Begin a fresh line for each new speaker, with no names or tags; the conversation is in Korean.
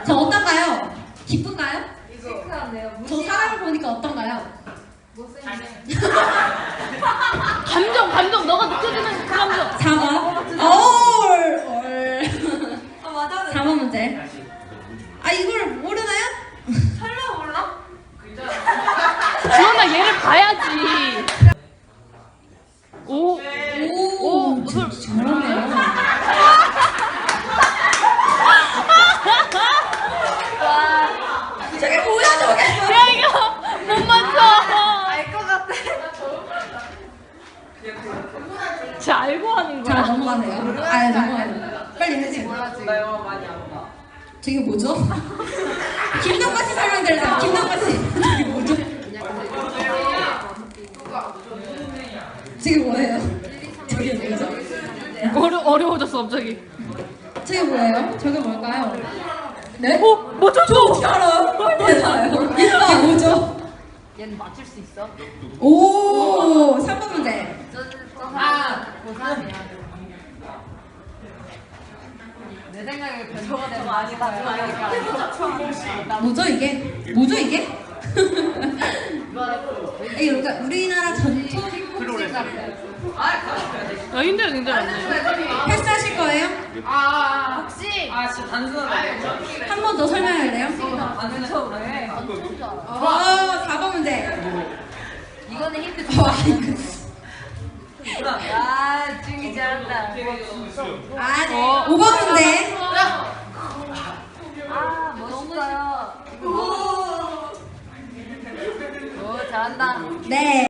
저 어떤가요? 기쁜가요?
시크한데요.
저 사람을 보니까 어떤가요?
못생긴.
감정 너가 느껴지는 그 감정.
4번.
아 맞아.
4번 문제. 아 이걸 모르나요?
설마 몰라?
지원아 얘를 봐야지. 오.
오, 잘하네요. 저게 뭐야 저게?
야 이거 못 맞춰.
알 것 같아.
쟤 알고 하는
자
거야.
넘어가네요. 아 넘어가요. 빨리 해주세요.
나 영화 많이 안 봐.
저게 뭐죠? 김동관 씨 설명드려요. 김동관 씨. 저게 뭐죠? 저게 뭐예요? 저게 뭐죠?
어려워졌어 갑자기.
저게 뭐예요? 저게 뭘까요? 네?
맞췄어.
저 어떻게 알아요? 네, 알아요. 이게 뭐죠?
얘는 맞출 수 있어?
오, 3번 문제.
아, 고3이야. 내 생각에 변호가 되면 많이 가져가니까.
뭐죠 이게? 뭐죠 이게? 이게 그러니까 우리나라 전통 복식 같아요.
야 힘들어 안 돼.
패스하실 거예요?
혹시
진짜 단순하다.
한 번 더 설명할래요?
단순 왜?
4번 문제.
이거는 힌트 줘. 아, 중이 잘한다.
아, 네. 5번 문제.
아, 멋있어요. 오, 잘한다.
네.